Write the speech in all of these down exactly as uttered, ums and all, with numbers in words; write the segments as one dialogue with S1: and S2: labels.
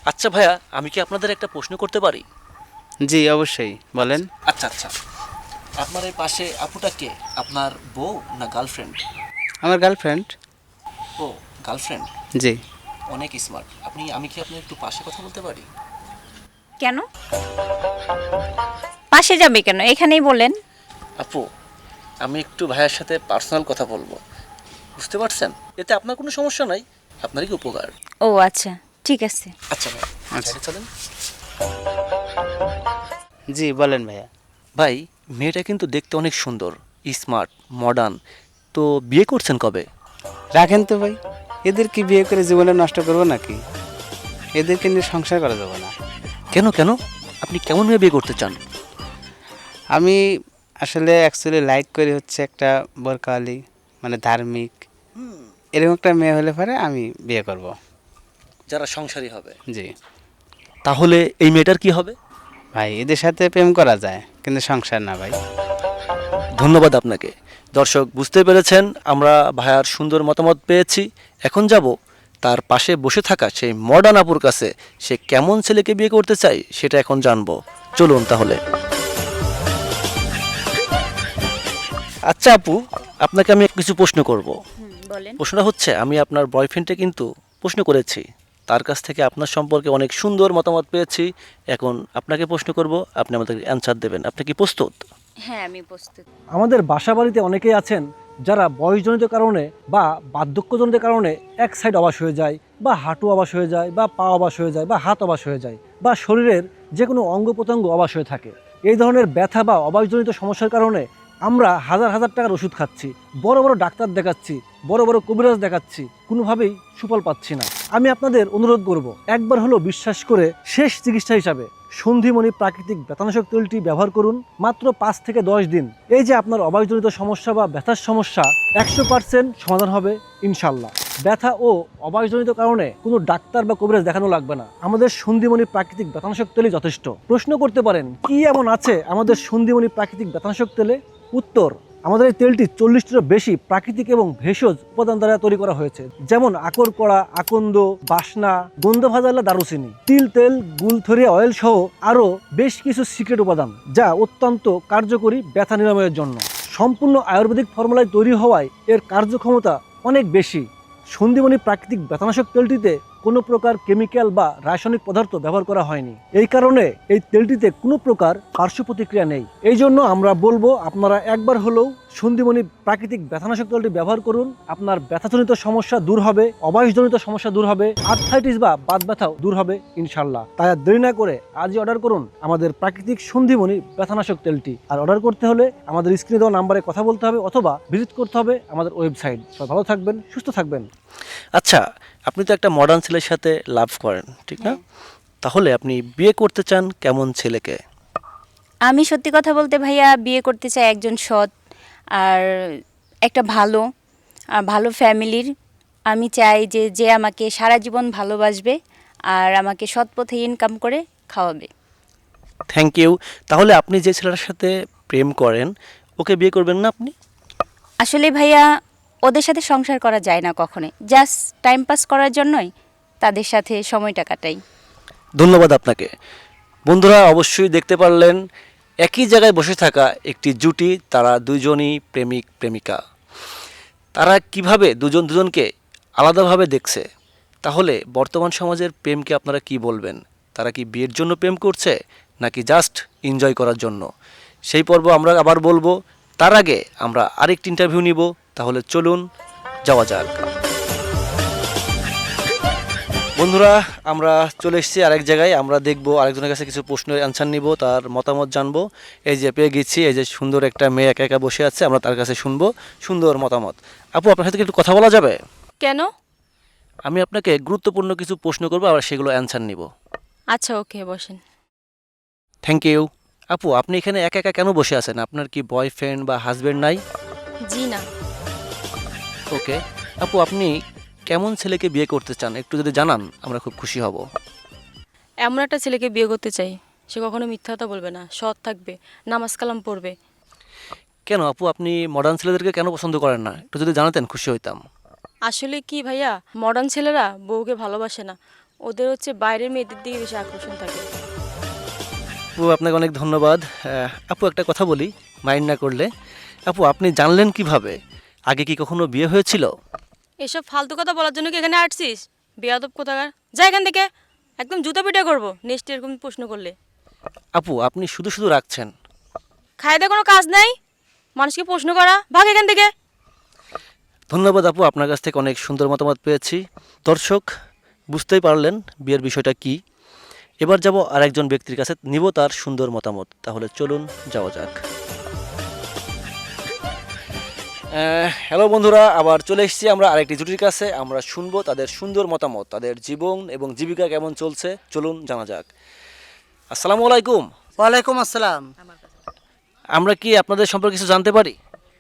S1: আচ্ছা ভাইয়া, আমি কি আপনাদের একটা প্রশ্ন করতে পারি?
S2: জি অবশ্যই বলেন।
S1: আচ্ছা আচ্ছা, আপনার এই পাশে আপুটা কে? আপনার বউ না গার্লফ্রেন্ড?
S2: আমার গার্লফ্রেন্ড।
S1: ও, গার্লফ্রেন্ড।
S2: জি।
S1: অনেক স্মার্ট আপনি। আমি কি আপনার একটু পাশে কথা বলতে পারি?
S3: কেন পাশে যাবে কেন? এখানেই বলেন।
S1: আপু, আমি একটু ভাইয়ের সাথে পার্সোনাল কথা বলবো, বুঝতে পারছেন? এতে আপনার কোনো সমস্যা নাই, আপনারই কি উপকার।
S3: ও আচ্ছা, ঠিক আছে।
S1: আচ্ছা ভাই,
S2: আচ্ছা।
S1: সাইডে চলেন।
S2: জি বলেন ভাইয়া।
S1: ভাই, মেয়েটা কিন্তু দেখতে অনেক সুন্দর, স্মার্ট, মডার্ন। তো বিয়ে করছেন কবে?
S2: রাখেন তো ভাই, এদের কি বিয়ে করে জীবনে নষ্ট করবো নাকি? এদেরকে নিয়ে সংসার করা যাবে না।
S1: কেন কেন? আপনি কেমন মেয়ে বিয়ে করতে চান?
S2: আমি আসলে অ্যাকচুয়ালি লাইক করি হচ্ছে একটা বোরকাওয়ালি, মানে ধার্মিক, এরকম একটা মেয়ে হলে পরে আমি বিয়ে করব।
S1: যারা সংসারী হবে।
S2: জি।
S1: তাহলে এই মেয়েটার কি হবে?
S2: ভাই এদের সাথে প্রেম করা যায় কিন্তু সংসার না ভাই।
S1: ধন্যবাদ আপনাকে। দর্শক বুঝতে পেরেছেন, আমরা ভাইয়ার সুন্দর মতামত পেয়েছি। এখন যাব তার পাশে বসে থাকা সেই মডার্ন আপুর কাছে, সে কেমন ছেলেকে বিয়ে করতে চায় সেটা এখন জানবো। চলুন তাহলে। আচ্ছা আপু, আপনাকে আমি কিছু প্রশ্ন করব।
S3: বলেন।
S1: প্রশ্নটা হচ্ছে, আমি আপনার বয়ফ্রেন্ডকে কিন্তু প্রশ্ন করেছি, তার কাছ থেকে আপনার সম্পর্কে অনেক সুন্দর মতামত পেয়েছি। এখন আপনাকে প্রশ্ন করব, আপনি আমাদের অ্যান্সার দেবেন। আপনি কি প্রস্তুত?
S3: হ্যাঁ, আমি প্রস্তুত।
S4: আমাদের বাসা বাড়িতে অনেকেই আছেন যারা বয়সজনিত কারণে বা বার্ধক্যজনিত কারণে এক সাইড অবশ হয়ে যায়, বা হাঁটু অবশ হয়ে যায়, বা পা অবশ হয়ে যায়, বা হাত অবশ হয়ে যায়, বা শরীরের যে কোনো অঙ্গ প্রত্যঙ্গ অবশ হয়ে থাকে। এই ধরনের ব্যথা বা অবশজনিত সমস্যার কারণে আমরা হাজার হাজার টাকার ওষুধ খাচ্ছি, বড় বড় ডাক্তার দেখাচ্ছি, বড় বড় কবিরাজ দেখাচ্ছি, কোনোভাবেই সুফল পাচ্ছি না। আমি আপনাদের অনুরোধ করব, একবার হলো বিশ্বাস করে শেষ চিকিৎসা হিসাবে সন্ধিমণি প্রাকৃতিক ব্যথানাশক তেলটি ব্যবহার করুন মাত্র পাঁচ থেকে দশ দিন। এই যে আপনার অবায়জনিত সমস্যা বা ব্যথার সমস্যা একশো পার্সেন্ট সমাধান হবে ইনশাল্লাহ। ব্যথা ও অবায়জনিত কারণে কোনো ডাক্তার বা কবিরাজ দেখানো লাগবে না, আমাদের সন্ধিমণি প্রাকৃতিক ব্যথানাশক তেলই যথেষ্ট। প্রশ্ন করতে পারেন কি এমন আছে আমাদের সন্ধিমণি প্রাকৃতিক ব্যথানাশক তেলে? উত্তর, আমাদের এই তেলটি চল্লিশটিরও বেশি প্রাকৃতিক এবং ভেষজ উপাদান দ্বারা তৈরি করা হয়েছে, যেমন আকর কড়া, আকন্দ, বাসনা, গন্ধ ভাজালা, দারুচিনি, তিল তেল, গুলথরিয়া অয়েল সহ আরও বেশ কিছু সিক্রেট উপাদান, যা অত্যন্ত কার্যকরী ব্যথা নিরাময়ের জন্য। সম্পূর্ণ আয়ুর্বেদিক ফর্মুলায় তৈরি হওয়ায় এর কার্যক্ষমতা অনেক বেশি। সন্ধিমণি প্রাকৃতিক ব্যথানাশক তেলটিতে কোনো প্রকার কেমিক্যাল বা রাসায়নিক পদার্থ ব্যবহার করা হয়নি। এই কারণে এই তেলটিতে কোনো প্রকার পার্শ্ব প্রতিক্রিয়া নেই। এই জন্য আমরা বলবো আপনারা একবার হলেও সন্ধিমণি প্রাকৃতিক ব্যথানাশক তেলটি ব্যবহার করুন। আপনার ব্যথাজনিত সমস্যা দূর হবে, অবয়সজনিত সমস্যা দূর হবে, আর্থ্রাইটিস বা বাত ব্যথাও দূর হবে ইনশাল্লাহ। তাই আর দেরি না করে আজই অর্ডার করুন আমাদের প্রাকৃতিক সন্ধিমণি ব্যথানাশক তেলটি। আর অর্ডার করতে হলে আমাদের স্ক্রিনে দেওয়া নাম্বারে কথা বলতে হবে অথবা ভিজিট করতে হবে আমাদের ওয়েবসাইট। সবাই ভালো থাকবেন, সুস্থ থাকবেন।
S1: আচ্ছা, আপনি তো একটা মডার্ন ছেলের সাথে লাভ করেন, ঠিক না? তাহলে আপনি বিয়ে করতে চান কেমন ছেলেকে?
S3: আমি সত্যি কথা বলতে ভাইয়া বিয়ে করতে চাই একজন সৎ আর একটা ভালো আর ভালো ফ্যামিলির। আমি চাই যে যে আমাকে সারা জীবন ভালোবাসবে আর আমাকে সৎ পথে ইনকাম করে খাওয়াবে।
S1: Thank you. তাহলে আপনি যে ছেলেটার সাথে প্রেম করেন, ওকে বিয়ে করবেন না আপনি?
S3: আসলে ভাইয়া ওদের সাথে সংসার করা যায় না কখনোই, জাস্ট টাইম পাস করার জন্যই তাদের সাথে সময়টা কাটাই।
S1: ধন্যবাদ আপনাকে। বন্ধুরা অবশ্যই দেখতে পারলেন, একই জায়গায় বসে থাকা একটি জুটি, তারা দুজনই প্রেমিক প্রেমিকা। তারা কিভাবে দুজন দুজনকে আলাদাভাবে দেখছে। তাহলে বর্তমান সমাজের প্রেমকে আপনারা কি বলবেন? তারা কি বিয়ের জন্য প্রেম করছে নাকি জাস্ট এনজয় করার জন্য? সেই পর্ব আমরা আবার বলবো। তার আগে আমরা আরেকটি ইন্টারভিউ নিব। তাহলে চলুন যাওয়া যাক। বন্ধুরা, আমরা চলে এসেছি আরেক জায়গায়। আমরা দেখব আরেকজনের কাছে কিছু প্রশ্নের অ্যান্সার নিব, তার মতামত জানবো। এই যে পেয়ে গেছি, এই যে সুন্দর একটা মেয়ে একা একা বসে আছে, আমরা তার কাছে শুনবো সুন্দর মতামত। আপু, আপনার সাথে কি একটু কথা বলা যাবে?
S5: কেন?
S1: আমি আপনাকে গুরুত্বপূর্ণ কিছু প্রশ্ন করবো, আর সেগুলো অ্যান্সার নিব।
S5: আচ্ছা, ওকে, বসেন।
S1: Thank you. আপু, আপনি এখানে একা একা কেন বসে আছেন? আপনার কি বয়ফ্রেন্ড বা হাজবেন্ড নাই?
S5: জি না।
S1: ওকে। আপু, আপনি কেমন ছেলেকে বিয়ে করতে চান একটু যদি জানান, আমরা খুব খুশি হব।
S5: এমন একটা ছেলেকে বিয়ে করতে চাই, সে কখনো মিথ্যা কথা বলবে না, সৎ থাকবে, নামাজ কালাম পড়বে।
S1: কেন আপু, আপনি মডার্ন ছেলেদেরকে কেন পছন্দ করেন না? একটু যদি জানাতেন খুশি হইতাম।
S5: আসলে কি ভাইয়া, মডার্ন ছেলেরা বউকে ভালোবাসে না, ওদের হচ্ছে বাইরের মেয়েদের দিকে বেশি আকর্ষণ থাকে।
S1: আপু আপনাকে অনেক ধন্যবাদ। আহ, আপু একটা কথা বলি, মাইন্ড না করলে। আপু আপনি জানলেন কিভাবে? আগে কি কখনো বিয়ে হয়েছিল?
S5: এসব ফালতু কথা বলার জন্য কি এখানে আসছিস? বেয়াদব কোথাকার, যা এখান থেকে, একদম জুতা পিটা করবো নেক্সট এরকম প্রশ্ন করলে।
S1: আপু আপনি শুধু শুধু রাখছেন।
S5: খায় দেয় কোনো কাজ নাই, মানুষকে প্রশ্ন করা, ভাগ এখান থেকে।
S1: ধন্যবাদ আপু, আপনার কাছ থেকে অনেক সুন্দর মতামত পেয়েছি। দর্শক বুঝতেই পারলেন বিয়ের বিষয়টা কি। এবার যাব আরেকজন ব্যক্তির কাছে, নিব তার সুন্দর মতামত। তাহলে চলুন যাওয়া যাক। হ্যালো বন্ধুরা, আবার চলে এসেছি আমরা আরেকটি জুটির কাছে। আমরা শুনবো তাদের সুন্দর মতামত, তাদের জীবন এবং জীবিকা কেমন চলছে। চলুন জানা যাক। আসসালামু আলাইকুম।
S6: ওয়ালাইকুম আসসালাম।
S1: আমরা কি আপনাদের সম্পর্কে কিছু জানতে পারি?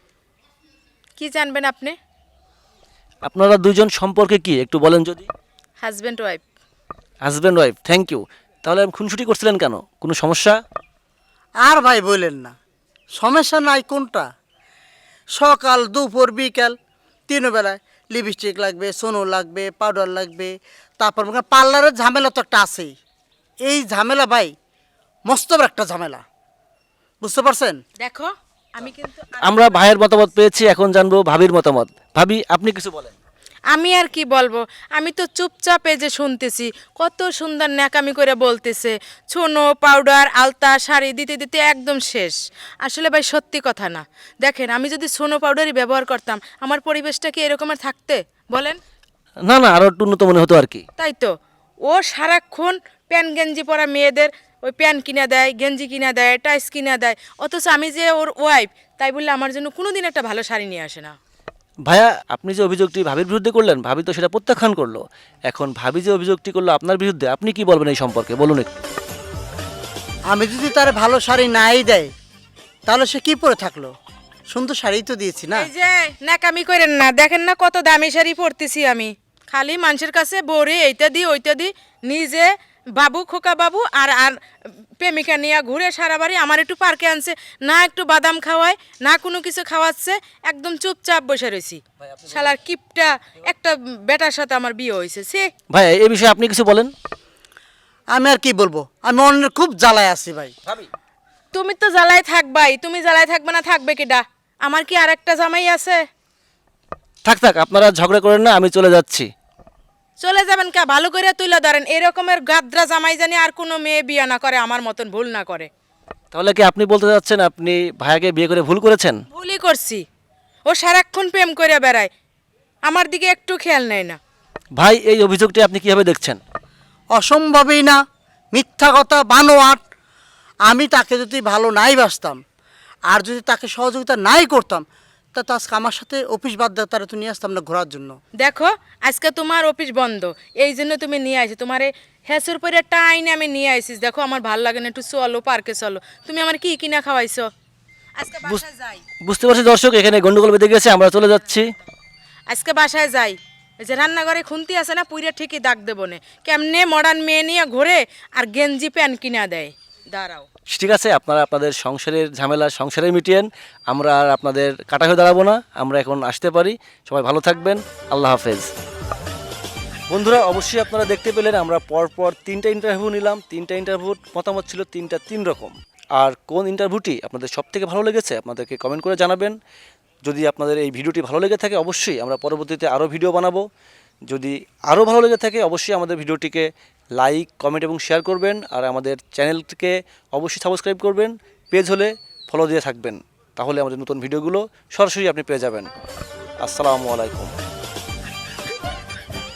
S7: কি জানবেন আপনি?
S1: আপনারা দুজন সম্পর্কে কি একটু বলেন যদি।
S7: Husband wife.
S1: Husband wife, thank you. তাহলে খুনসুটি করছিলেন কেন? কোনো সমস্যা?
S6: আর ভাই বললেন না, সমস্যা নাই কোনটা। সকাল দুপুর বিকাল তিন বেলায় লিপস্টিক লাগবে, সোনো লাগবে, পাউডার লাগবে, তারপর মনে করেন পার্লারের ঝামেলা তো একটা আছেই। এই ঝামেলা ভাই মস্ত বড় একটা ঝামেলা, বুঝতে পারছেন?
S7: দেখো আমি কিন্তু
S1: আমরা ভাইয়ের মতামত পেয়েছি, এখন জানবো ভাবির মতামত। ভাবি আপনি কিছু বলেন।
S7: আমি আর কি বলবো, আমি তো চুপচাপ এই যে শুনতেছি, কত সুন্দর ন্যাকামি করে বলতেছে, ছোনো পাউডার আলতা শাড়ি দিতে দিতে একদম শেষ। আসলে ভাই সত্যি কথা না। দেখেন আমি যদি ছোনো পাউডারই ব্যবহার করতাম, আমার পরিবেশটা কি এরকমের থাকতে বলেন?
S1: না না, আরো একটু উন্নত মনে হতো আর কি।
S7: তাই তো, ও সারাক্ষণ প্যান গেঞ্জি পরা মেয়েদের ওই প্যান কিনা দেয়, গেঞ্জি কিনা দেয়, টাইস কিনা দেয়, অথচ আমি যে ওর ওয়াইফ, তাই বললে আমার জন্য কোনো দিন একটা ভালো শাড়ি নিয়ে আসে না।
S1: ভাইয়া আপনি যে অভিযোগটি ভাবির বিরুদ্ধে করলেন, ভাবি তো সেটা প্রত্যাখ্যান করলো। এখন ভাবি যে অভিযোগটি করলো আপনার বিরুদ্ধে, আপনি কি বলবেন এই সম্পর্কে বলুন একটু।
S6: আমি যদি তার ভালো শাড়ি নাই দেয় তাহলে সে কি পরে থাকলো? সুন্দর শাড়ি তো দিয়েছি না।
S7: এই যে ন্যাকামি করেন না, দেখেন না কত দামি শাড়ি পরতেছি আমি, খালি মানুষের কাছে বরে এইটা দি ওইটা দি, নিজে বাবু খোকা বাবু আর আর প্রেমিকা নিয়ে ঘুরে সারা বাড়ি। আমার একটু পার্কে আনছে না, একটু বাদাম খাওয়ায় না, কোনো কিছু খাওয়াচ্ছে, একদম চুপচাপ বসে রয়েছি। শালার কিপটা একটা বেটার সাথে আমার বিয়ে হয়েছে সে।
S1: ভাই এই বিষয়ে আপনি কিছু বলেন।
S6: আমি আর কি বলবো, আমি অন্যের খুব জ্বালায় আছি ভাই।
S7: তুমি তো জ্বালায় থাকবাই, তুমি জ্বালায় থাকবে না থাকবে কিডা? আমার কি আর একটা জামাই আছে?
S1: থাক থাক, আপনারা ঝগড়া করেন না, আমি চলে যাচ্ছি।
S7: চলে যাবেন কে? ভালো করে তুলে ধরেন, এরকমের গাদ্রা জামাই জানি আর কোনো মেয়ে বিয়ে না করে, আমার মতন ভুল না করে।
S1: তাহলে কি আপনি বলতে চাচ্ছেন আপনি ভাইয়াকে বিয়ে করে ভুল করেছেন?
S7: ভুলই করছি, ও সারাক্ষণ প্রেম করে বেড়ায়, আমার দিকে একটু খেয়াল নেয় না।
S1: ভাই এই অভিযোগটি আপনি কিভাবে দেখছেন?
S6: অসম্ভবই না, মিথ্যা কথা, বানোয়াট। আমি তাকে যদি ভালো নাই বাসতাম আর যদি তাকে সহযোগিতা নাই করতাম, তা তো আজকে আমার সাথে অফিস বাদ দেওয়া তারা তো নিয়ে আসতাম না ঘোরার জন্য।
S7: দেখো আজকে তোমার অফিস বন্ধ, এই জন্য তুমি নিয়ে আইছি, তোমার হেসুর পরে টাইনে আমি নিয়ে আইসিস। দেখো আমার ভালো লাগে না, একটু চলো পার্কে চলো। তুমি আমার কি কিনা খাওয়াইছো? আজকে বাসায় যাই,
S1: বুঝতে পারছি দর্শক, এখানে গন্ডগোল বেঁধে গেছে, আমরা চলে যাচ্ছি।
S7: আজকে বাসায় যাই। এই যে রান্নাঘরে খুন্তি আছে না, পুইরে ঠিকই দাগ দেবো না। কেমনে মডার্ন মেয়ে নিয়ে ঘোরে আর গেঞ্জি প্যান্ট কিনা দেয়। দাঁড়াও,
S1: ঠিক আছে, আপনারা আপনাদের সংসারের ঝামেলা সংসারে মিটিয়েন, আমরা আর আপনাদের কাটা হয়ে দাঁড়াবো না। আমরা এখন আসতে পারি। সবাই ভালো থাকবেন, আল্লাহ হাফেজ। বন্ধুরা অবশ্যই আপনারা দেখতে পেলেন আমরা পরপর তিনটা ইন্টারভিউ নিলাম। তিনটা ইন্টারভিউর মতামত ছিল তিনটা তিন রকম। আর কোন ইন্টারভিউটি আপনাদের সব থেকে ভালো লেগেছে আপনাদেরকে কমেন্ট করে জানাবেন। যদি আপনাদের এই ভিডিওটি ভালো লেগে থাকে অবশ্যই আমরা পরবর্তীতে আরও ভিডিও বানাবো। যদি আরও ভালো লেগে থাকে অবশ্যই আমাদের ভিডিওটিকে লাইক কমেন্ট এবং শেয়ার করবেন। আর আমাদের চ্যানেলটিকে অবশ্যই সাবস্ক্রাইব করবেন। পেজ হলে ফলো দিয়ে থাকবেন, তাহলে আমাদের নতুন ভিডিওগুলো সরাসরি আপনি পেয়ে যাবেন। আসসালামু আলাইকুম।